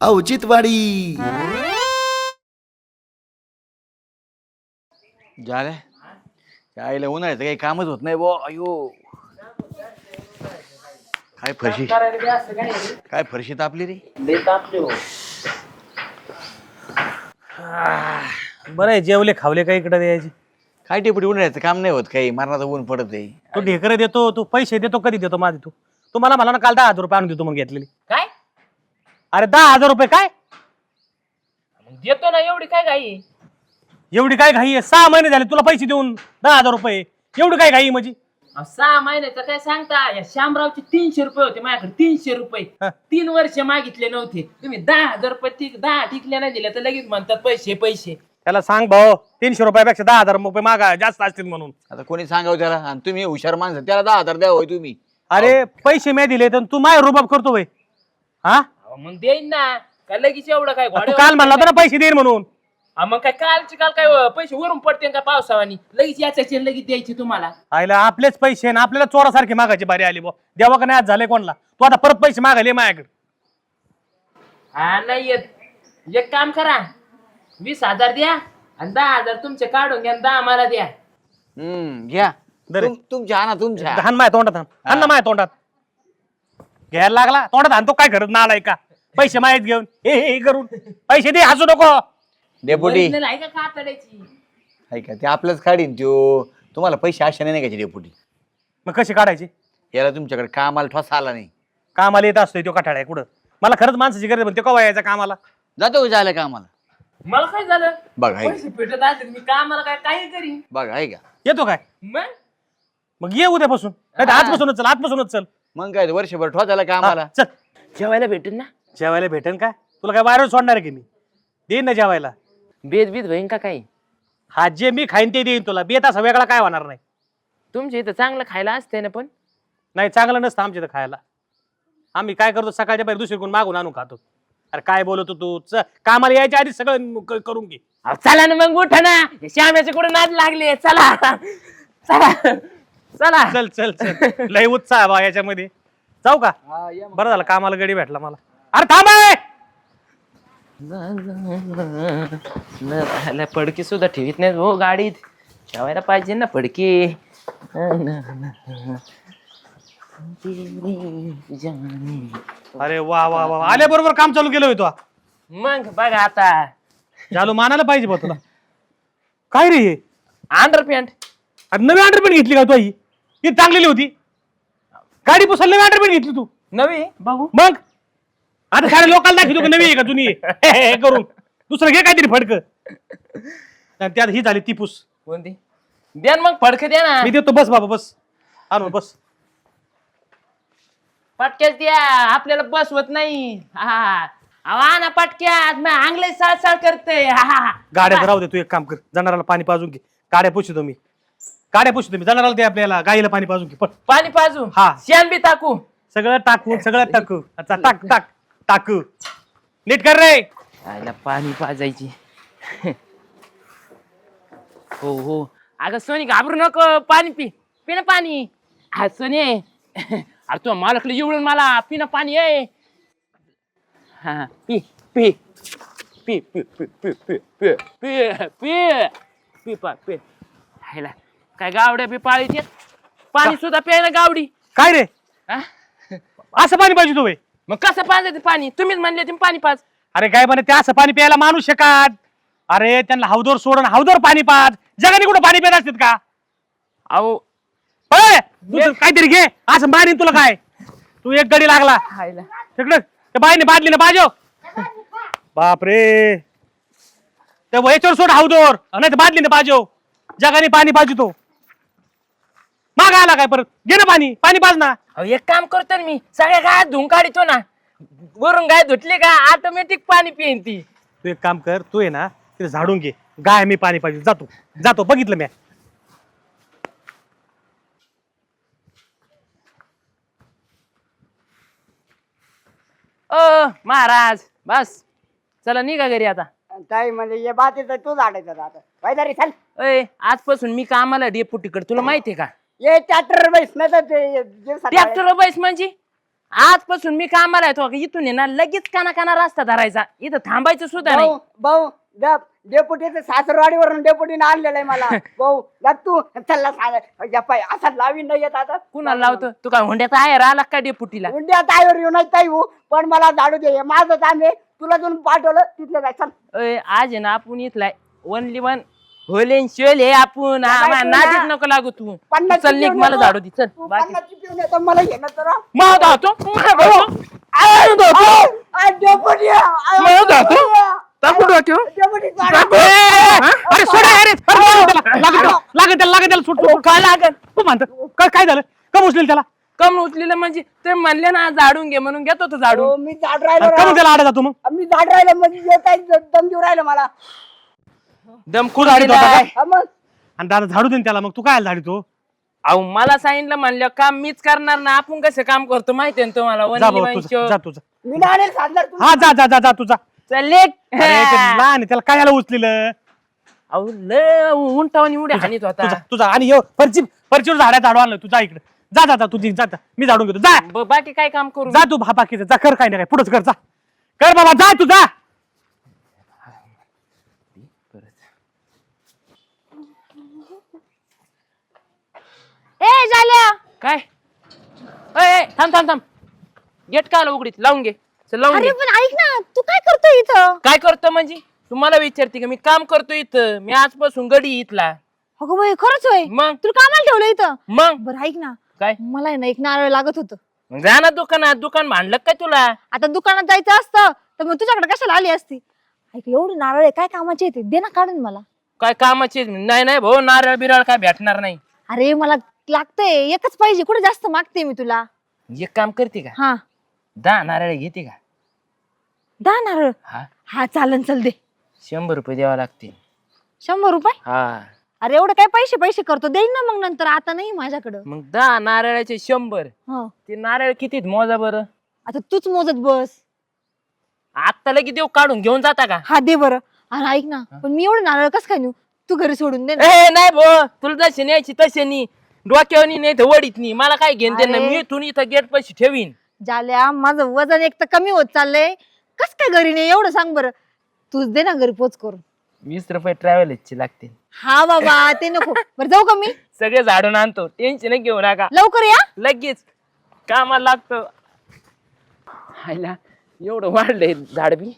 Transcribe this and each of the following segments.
औचित्यवाडी. झालं आईला उन्हाळ्याचं काही कामच होत नाही बो. अयो काय फरशी तापली रे. बरं आहे, जेवले खावले काही इकडे द्यायचे. काय टेपटी उन्हाळ्याचं काम नाही होत काही, मरणाचं ऊन पडत आहे. तू ढेकर देतो, तू पैसे देतो, कधी देतो माझे तू मला ना काल 10,000 रुपये आणून देतो म्हणून घेतलेली. काय अरे 10,000 रुपये काय देतो ना, एवढी काय घाई? एवढी काय घाई आहे? 6 महिने झाले तुला पैसे देऊन 10,000 रुपये, एवढी काय घाई म्हणजे? 6 महिन्याचं काय सांगता? या शामरावचे 300 रुपये होते माझ्याकडे. 300 रुपये 3 वर्ष मागितले नव्हते. तुम्ही 10,000 रुपये 10 टिकल्या नाही दिल्या तर लगेच म्हणतात पैसे पैसे. त्याला सांग भाऊ, 300 रुपयापेक्षा 10,000 रुपये मागा जास्त असतील म्हणून. आता कोणी सांगावं त्याला? आणि तुम्ही हुशार माणसं, त्याला 10,000 द्या होय तुम्ही. अरे पैसे मी दिले तर तू माय रुबाब करतो भाई. हा मग देईन ना, काय लगेच एवढं काय तू काल म्हणला होता ना पैसे देईन म्हणून. मग काय कालचे काल काय पैसे वरून पडते का पावसावानी? लगेच याच्याचे लगेच द्यायचे तुम्हाला. आईला आपलेच पैसे ना आपल्याला चोरासारखे मागायची बारी आली बो. देवा का नाही आज झाले कोणला? तू आता परत पैसे मागायले माझ्याकडे. हा नाही येत. एक काम करा, 20,000 द्या आणि 10,000 तुमचे काढून घ्या, 10 मला द्या. घ्या दरे. तुमच्या आणा तुमच्या. हान माझ्या तोंडात हान ना माझ्या तोंडात. घ्यायला लागला तोंडात हाणतो काय करत नालाय का? पैसे माहीत घेऊन हे करून पैसे दे, हसू नको. डेपुटी Original आहे का कातड्याची? आहे का? ते आपलंच काढीन त्यो. तुम्हाला पैसे आशा नाही का डेपुटी? मग कशी काढायची? याला तुमच्याकडे कामाला ठोसा आला नाही. कामाला येत असतोय तो कठाळा आहे कुठं? मला खरंच माणसाची गरज पण ते कवा यायचा कामाला? जातो झालं कामाला. मला काय झालं? बघ आहे पैसे भेटत असतील मी कामाला काय काही करीन. बघ आहे का? येतो काय? मग ये उद्यापासून, नाही तर आजपासूनच चल, आजपासूनच चल. मग काय वर्षभर ठोसायला कामाला. चल जेवायला भेटेल ना? जेवायला भेटेन काय? तुला काय बाहेर सोडणार आहे की मी? देईन ना जेवायला. बेद बीत होईन का काही? हा जे मी खाईन ते देईन तुला. बेत असा वेगळा काय होणार नाही. तुमच्या इथं चांगलं खायला असते ना पण. नाही चांगलं नसतं आमच्या इथं खायला. आम्ही काय करतो सकाळच्या बाहेर दुसरी कोण मागून आणून खातो. अरे काय बोलतो तू? कामाला यायच्या आधी सगळं करून घे. चला ना मग, उठा ना. श्याम्याचे कुठे नाद लागले. चला चला चला. चल चल चल, लय उत्साह आहे बा याच्यामध्ये. जाऊ का? बरं झालं कामाला गडी भेटला मला. अरे थांब आहे. पडकी सुद्धा ठेवीत नाही हो गाडीत. ठेवायला पाहिजे ना पडकी. अरे वा वा वा, आल्याबरोबर काम चालू केलं होतो. मग बघा आता झालो मानायला पाहिजे बा तुला. काय रे हे? अंडरपॅन्ट. अरे नवी अंडरपॅन्ट घेतली का तू? ही चांगलेली होती. गाडी पुसायला नवी अंडरपॅन्ट घेतली तू? नवी बघू. मग आता सारे लोकांना दाखवतो का नवी आहे का जुनी आहे? करून दुसरं घे काहीतरी फडक. त्यात ही झाली ती पुस. कोणती? द्या ना मग फडक द्या ना. मी देतो. बस बाबा बस. आणू बस. पटक्याच द्या, आपल्याला बसवत नाही. हा ना पटक्यात. मग आंगले सळसळ करते. गाड्या राहू दे. तू एक काम कर, जनावराला पाणी पाजून घे. गाड्या पुसतो मी. जनावराला दे, आपल्याला गाईला पाणी पाजून घे. पाणी पाजू. हा. शेण बी टाकू. सगळं टाकू. अच्छा टाक टाक टाकू. नीट कर रे. आईला पाणी पाजायची. हो हो. अगं सोनी घाबरू नको. पाणी पी. पी ना पाणी. हा सोनी. अरे तू मालकला एवढून मला पी ना पाणी आहे. हा पी पी पी पी पी पी पी पी पी पी पी पी. हायला काय गावड्या बी पाळीत पाणी सुद्धा प्यायला गावडी. काय रे असं पाणी पाहिजे तू? मग कसं पाजायचं पाणी? तुम्हीच म्हणले तुम्ही पाणी पाज. अरे काय म्हणे ते असं पाणी प्यायला माणू शकत? अरे त्यांना हौदोर सोडून हौदोर पाणी पाज. जगाने कुठं पाणी पित असतात का? अहो काहीतरी घे. असं मारीन तुला. काय तू एक गडी लागला हायला. तिकडं त्या बाईने बादली ना बाजो. बापरे. त्या याच्यावर सोड हौदोर, नाही तर बादली ना बाजो. जगाने पाणी पाहिजे तो. माग आला काय परत? घे ना पाणी. पाणी पाज ना. एक काम करतो ना मी, सगळ्या गाय धुवून काढतो ना. वरून गाय धुतली का ऑटोमॅटिक पाणी पिईन ती. तू एक काम कर, तू आहे ना तिथे झाडून घे. गाय मी पाणी पाहिजे. जातो जातो, बघितलं मी. महाराज बस चला निघा घरी आता. काय म्हणजे ये बात आहे तर तू झाडायचं आता काय तरी चल. आजपासून मी कामाला डेपुटीकडे. तुला माहितीये का? ये ट्रॅक्टर बैस नाही तर ते ट्रॅक्टर बैस म्हणजे आजपासून मी कामाला येतो इथून आहे ना लगेच काना रस्ता धरायचा इथं थांबायचं सुद्धा नाही. भाऊ डेपुटीचं सासरवाडीवरून डेपुटीने आणलेलं आहे मला. भाऊ गप तू चल्ला सांग असा लावीन नाही येत आता. कुणाला लावतो तू काय हुंड्याचा आहे आला काय डेपुटीला? उंड्या ताईवर येऊ नाही ताई हो, पण मला झाडू दे. माझं काम आहे, तुला जाऊन पाठवलं तिथलं जाय. चल आज आहे ना आपण इथलाय ओनली वन होलेन शेल हे आपण नादीत नको लागू तू. चल निघ मला झाडू दे चल. बाकी मला घेणं तर मग धावतो डेपुटी अरे सोडा अरे लागेल त्याला सुटतो काय लागेल तू म्हणतो काय झालं कम उचलेल त्याला कम उचलेलं म्हणजे ते म्हणले ना झाडून घे म्हणून घेतो तो झाडून. मी झाड राहिलो कम त्याला आडा जातो मग मी झाड राहिलं म्हणजे काय दम देऊ राहिलं मला. दम खूप झाडीत होता काय मग आणि दादा झाडू दे त्याला मग तू काय झाडीतो अहो मला सांगितलं म्हणलं काम मीच करणार ना आपण कसं काम करतो माहितीये ना तुम्हाला जा only भाऊ one तुझा show. जा तुझा मी नाही सांगणार तू. हा जा तुझा चल लेक. लहान आहे, त्याला काय उचलेलं अहो लय उंटावणी उड्या हानीत होता. तुझा आणि फरचीवर झाडा झाडू आणलं तुझा इकडे जा तुझी जा मी झाडून घेतो जा बाकी काय काम करू जा तू बाकीचं जा कर काय नाही काय पुढंच कर जा कर बाबा जा तू जा ए झाल्या काय ए, थांब गेट का उघडीत लावून घे चल लावून अरे घे. पण ऐक ना तू काय करतोय इथं? काय करतो म्हणजे तुम्हाला विचारते का मी काम करतो इथं मी आजपासून गडी इथला. अगं बाई खरंच होय मग तुला कामाला ठेवलं इथं? मग बरं ऐक ना काय मला आहे ना एक नारळ लागत होतं. मग जा ना दुकानात दुकान भांडलं काय तुला? आता दुकानात जायचं असतं तर मग तुझ्याकडे कशाला आली असती? ऐक एवढे नारळ आहे काय कामाचे येते दे ना काढून मला. काय कामाची नाही भाऊ नारळ बिरळ काय भेटणार नाही. अरे मला लागतंय एकच पाहिजे कुठे जास्त मागते मी तुला. एक काम करते का हा 10 नारळ घेते का? 10 नारळ हा हा चालन चल दे. 100 रुपये द्यावा लागतील. 100 रुपये? हा अरे एवढे काय पैसे करतो देईन ना मग नंतर आता नाही माझ्याकडं. मग 10 नारळाचे 100 हो ते नारळ कितीत मोजा बरं? आता तूच मोजत बस. आत्ता लगेच देऊ काढून घेऊन जाता का? हा दे बरं. अरे ऐक ना पण मी एवढे नारळ कस काय नेऊ? तू घरी सोडून दे ना. ए नाही भाऊ तुला जशी न्यायची तशी नी डोक्यावर नाही तर वडीत नी मला काय घेऊन दे ना अरे. मी इथून इथं गेट पैसे ठेवीन. झाल्या माझं वजन एक तर कमी होत चाललंय कस काय घरी नाही एवढं सांग बरं. तूच दे ना घरी पोच करून. 20 रुपये ट्रॅव्हलचे लागतील. हा बाबा ते नको. बरं जाऊ का मी? सगळे झाडून आणतो टेन्शन घेऊ नका लवकर या. लगेच कामाला लागतो. हायला एवढं वाढलंय झाड बी.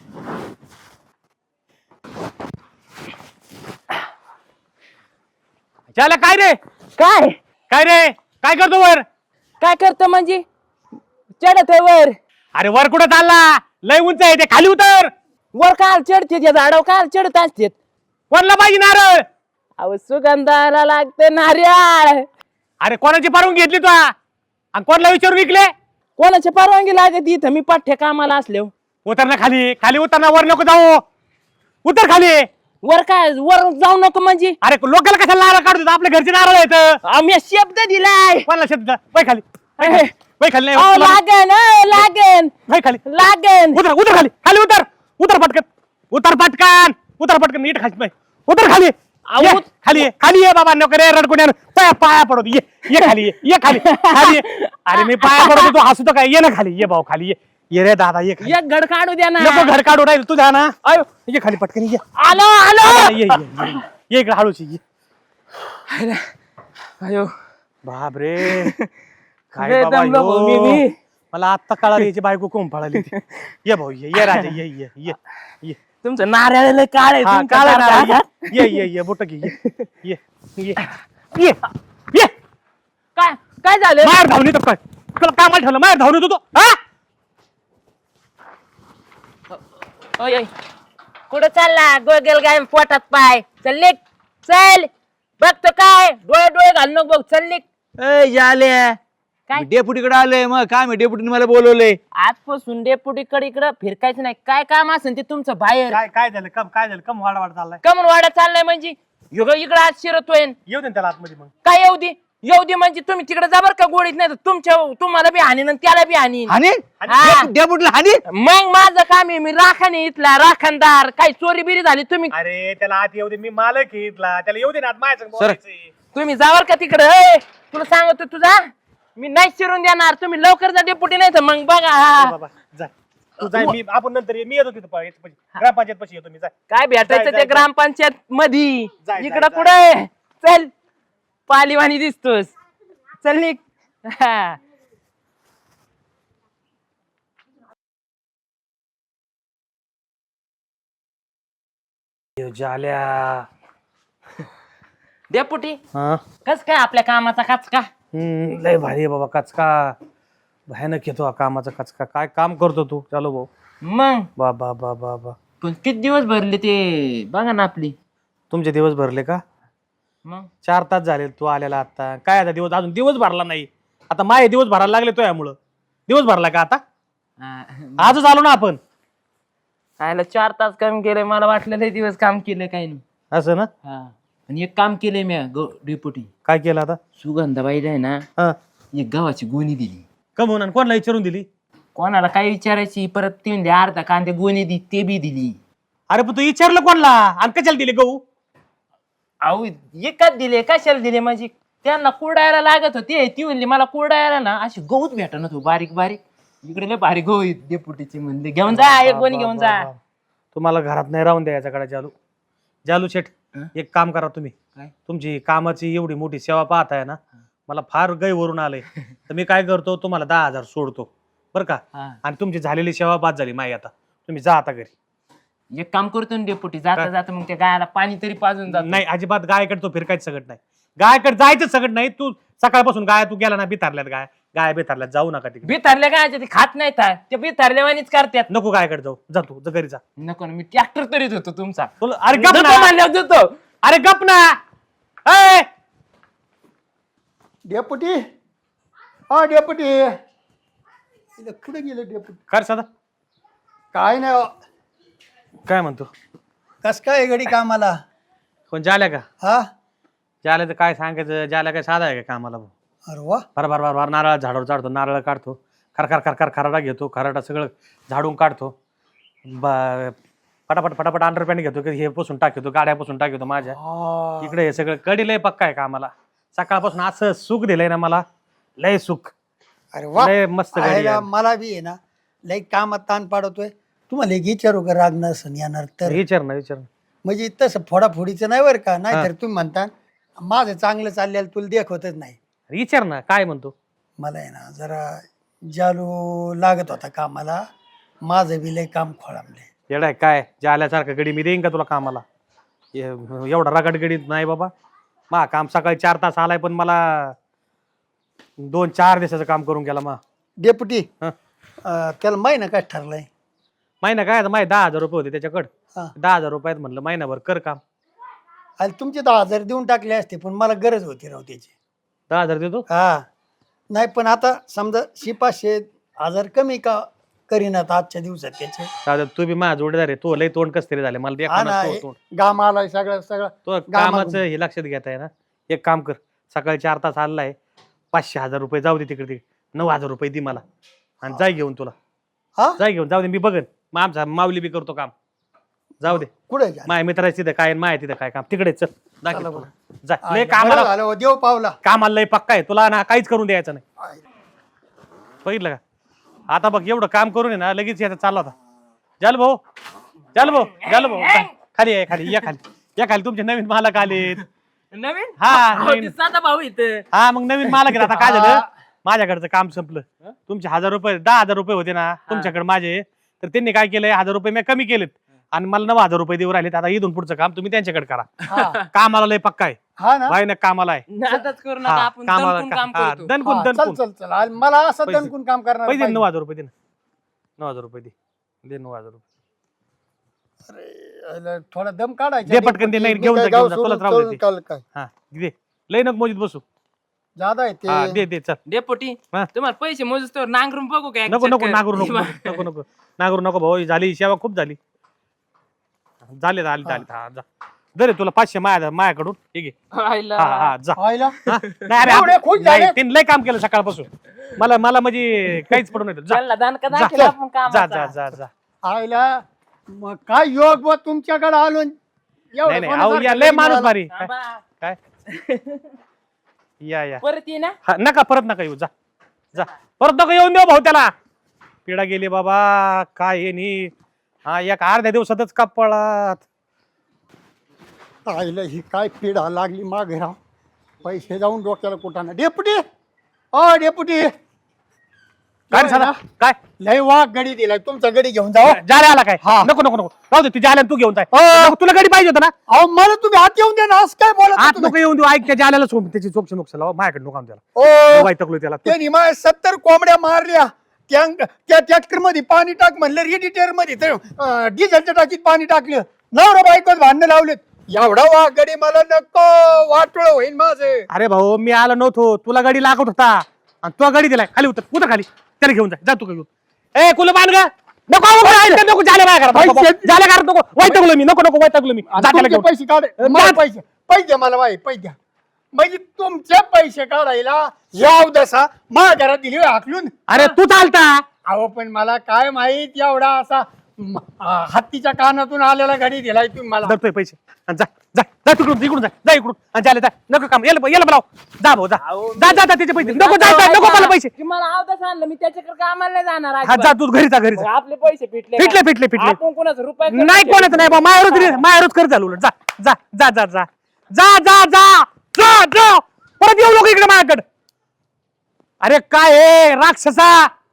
त्याला काय रे काय करतो वर काय करतो म्हणजे चढत आहे वर. अरे वर कुठं चालला लय उंच आहे ते खाली उतर वर काल चढते त्या झाडावर काल चढत असते. वरला पाहिजे नारळ अहो सुगंधाला लागते नारळ. अरे कोणाची परवानगी घेतली तू आणि कोणाला विचारून विकले कोणाची परवानगी लागत इथं मी पठ्ठे कामाला असले. उतर ना खाली उतर ना वर नको जाऊ उतर खाली. वर काय वर जाऊ नको म्हणजे अरे लोकांना कशाला नारळ काढतो आपल्या घरचे नारळ आहेत आम्ही शब्द दिलाय. कोणाला शब्द वय खाली वय खाली नाही अहो, लागेन लागेन वय खाली लागेन. उतर खाली उतर पटकन नीट खाली उतर खाली ये, खाली ये बाबा नको रे रडकुण्या पाया पडतो ये खाली अरे मी पाया पडतो तू हसतो काय ये ना खाली ये भाऊ खाली ये रे दादा ये खाली. एक घड काढू द्या ना. नको घर काढू राहील तू जा ना अयो ये खाली पटकन ये आलो ये इकडे हळूची ये अयो बाप रे काय लय बाबा दमलो भाऊ मी ह्यो. बी. मला आत्ता कळाली याची बायको कोण पळाली ती. ये भाऊ ये राजा ये तुमचं नारळ काळ आहे हा तुमचं काळा नारळ. नारळ ये बोट घे ये काय झालं? मार धावणी तर काय तुला कामाला ठेवलं मार धावणी होतो हा ओय, ओय. कुठं चालला गोगल गाय पोटात पाय चल निघ चल बघतो काय डोळे घाल नको बघ चल निघ. काय? डेपुटीकडे आलोय मग काय मी डेपुटीने मला बोलवलंय. आजपासून डेपुटीकडे इकडं फिरकायचं नाही काय काम असेल ते तुमचं बाहेर. काय झालं कम वाढ चाललाय कमन वाडा चाललाय म्हणजे इकडं आज शिरतोय. येऊ दे ना त्याला आतमध्ये मग काय येऊ दे म्हणजे तुम्ही तिकडे जाबर का गोडीत नाही तर तुम्हाला बी हानीन आणि त्याला बी हानीन. हानी हा. डेपुटीला हानी मग माझं काम आहे मी राखण इथला राखणदार काही चोरी बिरी झाली तुम्ही अरे त्याला आत येऊ दे मी मालक आहे इथला त्याला येऊ दे ना आत माझ्या संग बोलायचंय. तुम्ही जावर का तिकडे तुला सांगतो तुझा मी नाही शिरून देणार. तुम्ही लवकर जा डेपुटी, नाही तर मग बघा. ए बाबा जा तू जाय, मी आपण नंतर मी येतो तिथं ग्रामपंचायत पाशी येतो मी. जाय काय भेटायचं जाय, ते जाय. ग्रामपंचायत मध्ये. जाय, जाय, इकडं जाय. कुठे चल, पालीवाणी दिसतोस. चल निघ. हा. झाल्या डेपुटी हा कस काय आपल्या कामाचा कचका? लय भारी आहे बाबा. कचका भयानक येतो हा कामाचा कचका. काय काम करतो तू? चालो भाऊ. मग बा बा बा बा बा पण किती दिवस भरले ते बघा ना आपली. तुमचे दिवस भरले का? मग 4 तास झाले तू आलेला. आता काय आता दिवस अजून दिवस भरला नाही. आता माझे दिवस भरायला लागले तो यामुळं. दिवस भरला का आता? आजच आलो ना आपण. आयला 4 तास काम केलंय. मला वाटलं लय दिवस काम केलंय काही नाही. असं ना? हा. आणि एक काम केलंय मी डेपुटी. काय केलं आता? सुगंधाबाईला आहे ना हा एक गव्हाची गोणी दिली. कमवून आणि कोणाला विचारून दिली? कोणाला काय विचारायची, परत ती म्हणली अर्धा कांदे गोणी दी, ते बी दिली. अरे पण तू विचारलं कोणला आणि कशाला दिले गहू? अहो एकाच दिले, कशाला दिले म्हणजे त्यांना कुरडायला लागत होते. ती म्हणली मला कुरडायला ना अशी गहूच भेटत तू बारीक बारीक. इकडे लय भारी गहू आहेत डेपुटीची. म्हणले घेऊन जा एक गोणी घेऊन जा. तुम्हाला घरात नाही राहून द्यायचा कडे जालू. जालू शेठ एक काम करा तुम्ही. काय? तुमची कामाची एवढी मोठी सेवा पाहताय ना, मला फार गैवरून आलंय. तर मी काय करतो, तुम्हाला 10,000 सोडतो बरं का. हा. आणि तुमची झालेली सेवा बाद झाली माई. आता तुम्ही जा आता घरी. एक काम करतो ना डेपुटी, जाता जाता मग त्या गायला पाणी तरी पाजून जातो. नाही अजिबात गायकडे तो फिरकायचं सगळं नाही. गायकडे जायचं सगळं नाही. तू सकाळपासून गाय तू गेला ना बिथारल्यात. गाय बिथारल्यात जाऊ नका तिकडे. बिथारले काय ते खात नाही ते बिथारल्यावानीच करतात. नको गायकडे जाऊ. जा तू घरी जा. नको ना, मी ट्रॅक्टर तरीच होतो तुमचा. तुला अरे गप देतो ना. म्हणल्यावर देतो. अरे गप ना. ए! डेपुटी हा डेपुटी कुठे गेले डेपुटी? कर सदा काय नाही हो. काय म्हणतो? कस काय घडी कामाला? कोण जाल्या का? हा जाल्या तर काय सांगायचं. जाल्या काय साधा आहे का कामाला भाऊ? अरे वा बार नारळ झाडावर चढतो. नारळ काढतो. खर खराडा घेतो. खराडा सगळं झाडून काढतो. फटाफट अंडरपॅन्ट घेतो. हे पुसून टाकतो. गाड्या पुसून टाकतो माझ्या. इकडे हे सगळं कडी लय पक्का आहे कामाला. सकाळपासून असं सुख दिलंय ना मला. लय सुख. अरे वा लय मस्त गडी आयला आहे. मला बी आहे ना लई कामात ताण पाडतोय. तुम्हाला एक विचारू का राग नसन येणार तर? विचार ना. म्हणजे तसं फोडाफोडीचं नाही बरं का. नाही तर तुम्ही म्हणता माझं चांगलं चाललेलं तुला देखवतच नाही. विचार ना. काय म्हणतो? मला आहे ना जरा जालू लागत होता कामाला. माझं बी लय काम खोळामले. येडाय काय जाल्यासारखं गडी मी देईन का तुला कामाला? एवढा रगड गडी नाही बाबा. मा काम सकाळी 4 तास आलाय पण मला 2-4 दिवसाचं काम करून गेला मा. डेपुटी हं. त्याला महिना काय ठरलाय? महिना काय आता माझे 10,000 रुपये होते त्याच्याकडं. हा 10,000 रुपयात म्हणलं महिनाभर कर काम. आणि तुमचे 10,000 देऊन टाकले असते पण मला गरज होती राव त्याची. 10,000 देतो. हा नाही पण आता समजा 500-1000 कमी का करीन आता आजच्या दिवसात त्याचे. दादा तू बी माझा जोडीदार आहे. तो लय तोंड कस तरी झाले मला हा ना तोंड. गाम आलाय सगळं सगळं. तो कामाचं हे लक्षात घेत आहे ना. एक काम कर. सकाळी 4 तास आलाय. 500-1000 रुपये जाऊ दे तिकडे. 9,000 रुपये दे मला आणि जाय घेऊन. तुला हा जाय घेऊन. जाऊ दे मी बघन. मग आमचा माऊली बी करतो काम. जाऊ दे. कुठे माझ्या मित्राची तिथं काय माय तिथं काय काम तिकडे चल. चला जा बरं. जा. लय कामाला झालं हो, देव पावला. कामाला लय पक्का आहे. तुला ना काहीच करून द्यायचं नाही. बघितलं का? आता बघ एवढं काम करून आहे ना लगेच याचा चालला होता. जाल भाऊ खाली आहे. खाली या खाली तुमचे नवीन मालक आलेत. नवीन हा अहो, नवीन. ते साधा भाऊ इथं. हा मग नवीन मालक आहे. आता काय झालं माझ्याकडचं काम संपलं. तुमचे 1000 रुपये 10,000 रुपये होते ना तुमच्याकडे माझे. तर त्यांनी काय केलंय 1000 रुपये मी कमी केलेत आणि मला 9,000 रुपये देऊ राहिलेत. आता इथून पुढचं काम तुम्ही त्यांच्याकडे करा. हा कामाला लय पक्का आहे. हा ना भाई ना कामाला आहे. नादाच करू नका, हा, आपण दणकून काम हा, करतो. दणकून हा, चल दणकून चल चल आणि मला असं पैसे- दणकून काम करणार पैसे पाहिजे. 9,000 रुपये दे ना. 9,000 रुपये दे 9,000 रुपये. अरे, थोडा दम काढायचा. दे पटकन दे. नाही घेऊन जा घेऊन जा. तुलाच राहू दे ते. काय हा दे. लय नको मोजीत बसू. जादा आहे हा ते. दे चल. डेपुटी हा. तुम्हाला पैसे मोजूस तर नांगरून बघू काय? नको नागरू नको भाऊ. झाली सेवा खूप झाली. झाले हा जा. दे रे तुला 500 माझ्याकडून. ठीक आहे. हा जा. व्हायला हा? नाही अरे एवढे खुश झाले? नाही, त्यांनी लय काम केलं सकाळपासून. मला म्हणजे काहीच पडून येतं. जा त्यांना दणका जा दाखल आपण जा कामाचा. जा जा. आयला मग काय योग बा तुमच्याकडे आलो. एवढं नाही अहो कोणासारखं या लय कधी माणूस मिळालं? भारी. थांबा. काय या परत ये ना. हा, नका परत नका येऊ. जा जा परत नको येऊन देऊ भाऊ त्याला. पिढा गेली बाबा काय हे नी. हा एक अर्ध्या दिवसातच कपळात. आईला ही काय पिढा लागली मागे राव. पैसे जाऊन डोक्याला कुठाना. डेपुटी ओ डेपुटी काय रे साधा काय लय वाघ गडी दिलाय. तुमचा गडी घेऊन जाओ. जाले आला काय हा. नको नको नको राहू दे तुझ्या आल्याला तू घेऊन जाय. हो. तुला गाडी पाहिजे होता ना. अहो मला तुम्ही आत येऊन द्या ना. असं काय बोलत आत तुम्ही? नको येऊन देऊ. ऐक त्याच्या आल्याला सोड त्याची चोक्ष नुकसान लावा माझ्याकडे नको आणू त्याला. ओ वाईटकलो त्याला. त्यांनी माझ्या 70 कोंबड्या मारल्या. त्या ट्रॅक्टर मध्ये पाणी टाक म्हणलं. रेडिटेअर मध्ये तर डिझेलच्या टाकीत पाणी टाकलं. नवरा बायकोत भांडणं लावलेत. एवढा वाघ गडी मला नको. वाटोळ होईल माझं. अरे भाऊ मी आलो नव्हतो तुला गाडी लागत होता आणि तुला गाडी दिलाय. खाली उतर खाली त्याला घेऊन जा तू घेऊन. ए कुल बांध ग नको नको झाले माझ्या झाल्या घरात नको. वैतकलो मी नको नको वैतकलो मी. जा त्याला तुमचे घेऊन. पैसे काढ. मला पैसे मला पैसे द्या. म्हणजे तुमचे पैसे काढायला याव दसा माझ्या घरात दिली हाकलून. अरे तू चालता. अहो पण मला काय माहित एवढा असा हत्तीच्या कानातून आलेला गाडी दिलाय तुम्ही मला. धरतोय पैसे आणि जा जा जा तिकडून इकडून जा इकडून आणि झाले जा नको काम याला बोलाव. जा भाऊ जा जा जा त्याचे पैसे नको जा नको मला पैसे. मला आवडत आणलं मी त्याच्याकडे कामाला नाही जाणार हा अजिबात. जा तू घरी जा घरी जा. आपले पैसे फिटले फिटले फिटले फिटले. आपण कोणाचा रुपये नाही कोणाचं नाही बा मायावरच कर चालू उलट. जा जा जा जा जा जा जा जा जा जा परत येऊ नको इकडे माझ्याकडे. अरे काय हे राक्षसा